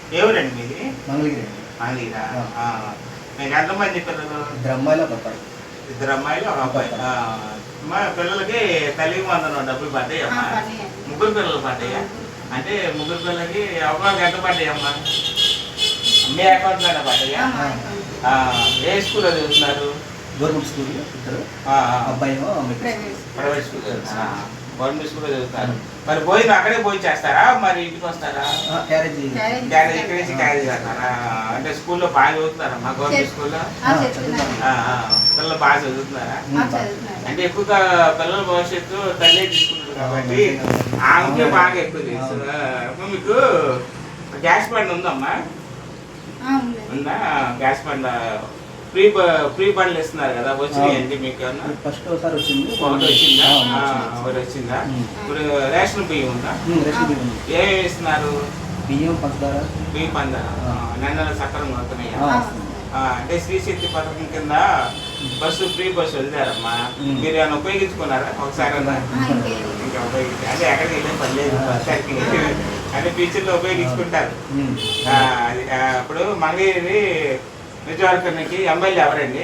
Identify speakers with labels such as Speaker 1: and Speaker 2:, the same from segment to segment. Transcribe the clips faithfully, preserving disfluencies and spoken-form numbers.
Speaker 1: ఎవరండి మీది?
Speaker 2: మంగళగిరి.
Speaker 1: మంగళగిరా? మీకు ఎంతమంది పిల్లలు?
Speaker 2: ఇద్దరు అమ్మాయిలు ఒక అబ్బాయి.
Speaker 1: ఇద్దరు అమ్మాయిలు ఒక అబ్బాయి. మా పిల్లలకి తల్లి వందనం డబ్బులు పడ్డాయమ్మా? ముగ్గురు పిల్లలు పడ్డాయా? అంటే ముగ్గురు పిల్లలకి ఒకరికి ఎంత పడ్డాయమ్మా? మీ అకౌంట్లోనే పడ్డాయా? ఏ స్కూల్లో చదువుతున్నారు?
Speaker 2: గవర్నమెంట్ స్కూల్ ఇద్దరు. అబ్బాయి
Speaker 1: ప్రైవేట్ స్కూల్ చదువుతున్నారు. గవర్నమెంట్ స్కూల్లో చదువుతారు. మరి భోజనం అక్కడే భోజనం చేస్తారా, మరి ఇంటికి వస్తారా?
Speaker 2: క్యారేజీ
Speaker 1: క్యారేజ్ ఇక్కడ నుంచి క్యారేజ్ చేస్తారా? అంటే స్కూల్లో బాగా చదువుతున్నారా? మా గవర్నమెంట్ స్కూల్లో పిల్లలు బాగా చదువుతున్నారా? అంటే ఎక్కువగా పిల్లల భవిష్యత్తు తల్లి తీసుకుంటారు కాబట్టి ఆమెకే బాగా ఎక్కువ తెలుసు. మీకు గ్యాస్ బండ్ ఉందమ్మా? ఉందా గ్యాస్ బండ్? ఫ్రీ ఫ్రీ బండ్లు ఇస్తున్నారు కదా, వచ్చినాయండి మీకు?
Speaker 2: ఫస్ట్ ఒకసారి వచ్చింది.
Speaker 1: ఒకటి వచ్చిందా? ఒకటి వచ్చిందా? ఇప్పుడు రేషన్ బియ్యం ఉందా? ఏమేమి ఇస్తున్నారు?
Speaker 2: బియ్యం, పంచదార.
Speaker 1: బియ్యం, పంచదార నెల సక్రమంగా అవుతున్నాయా? అంటే శ్రీశక్తి పథకం కింద బస్సు ఫ్రీ బస్సు వదిలేరమ్మా, మీరు ఏమైనా ఉపయోగించుకున్నారా ఒకసారి? ఇంకా ఉపయోగించి అంటే ఎక్కడికి వెళ్ళే పని లేదు, బస్సానికి అంటే ఫ్యూచర్లో ఉపయోగించుకుంటారు. ఇప్పుడు మంగళగిరి నిజవర్గానికి ఎమ్మెల్యే ఎవరండి?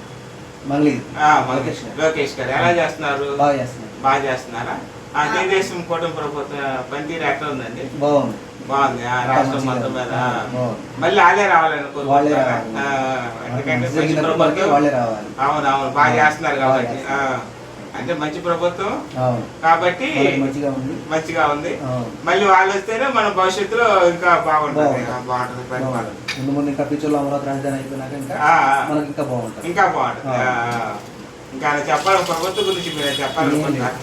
Speaker 1: లోకేష్ గారు. ఎలా చేస్తున్నారు? బాగా చేస్తున్నారా? తెలుగుదేశం కూటమి ప్రభుత్వం పనితీరు ఎట్లా ఉందండి?
Speaker 2: బాగుంది.
Speaker 1: బాగుంది. రాష్ట్రం మొత్తం మీద మళ్ళీ వాళ్ళే రావాలనుకుంటున్నారా? ఎందుకంటే మంచి ప్రభుత్వం. అవును అవును బాగా చేస్తున్నారు కాబట్టి. అంటే మంచి ప్రభుత్వం కాబట్టి మంచిగా ఉంది. మళ్ళీ వాళ్ళు వస్తేనే మన భవిష్యత్తులో ఇంకా బాగుంటుంది. బాగుంటుంది పరిపాలన.
Speaker 2: ముందు ముందు ఇంకా ఫ్యూచర్లో అమరావతి రాజధాని అయిపోయినాక ఇంకా మనకి ఇంకా బాగుంటుంది.
Speaker 1: ఇంకా బాగుంటుంది. ఇంకా చెప్పాలి ప్రభుత్వం గురించి మీరు చెప్పాలనుకుంటున్నారు?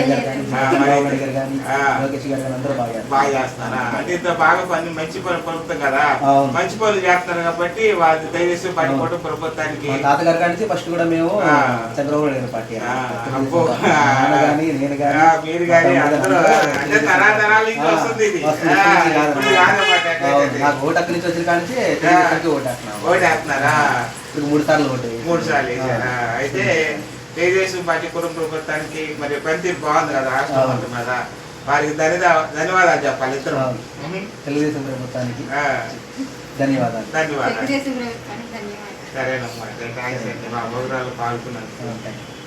Speaker 1: బాగా చేస్తున్నారా? అంటే ఇంత బాగా పని మంచి పని ప్రభుత్వం కదా, మంచి పనులు చేస్తున్నారు కాబట్టి వాళ్ళు దయచేసి పడిపోవడం ప్రభుత్వానికి.
Speaker 2: తాతగారి కానీ ఫస్ట్ కూడా మేము చంద్రబాబు నాయుడు పార్టీ.
Speaker 1: మీరు కానీ అందరూ అంటే తరాతరాల నుంచి వస్తుంది ఇది.
Speaker 2: నాకు ఓటు అక్కడి నుంచి వచ్చిన కానీ ఓటు
Speaker 1: ఓటు వేస్తున్నారా?
Speaker 2: మూడు సార్లు ఓటు
Speaker 1: మూడు సార్లు వేసారా? అయితే తెలుగుదేశం పార్టీ కుటుంబ ప్రభుత్వానికి మరి పనితీరు బాగుంది కదా రాష్ట్రం మొత్తం మీద, వారికి ధన్యవాదాలు చెప్పాలి ఇద్దరు.
Speaker 2: తెలుగుదేశం ప్రభుత్వానికి ధన్యవాదాలు.
Speaker 1: ధన్యవాదాలు. సరేనమ్మా, థ్యాంక్స్ అండి మా ప్రోగ్రాంలో పాల్గొన్నాను.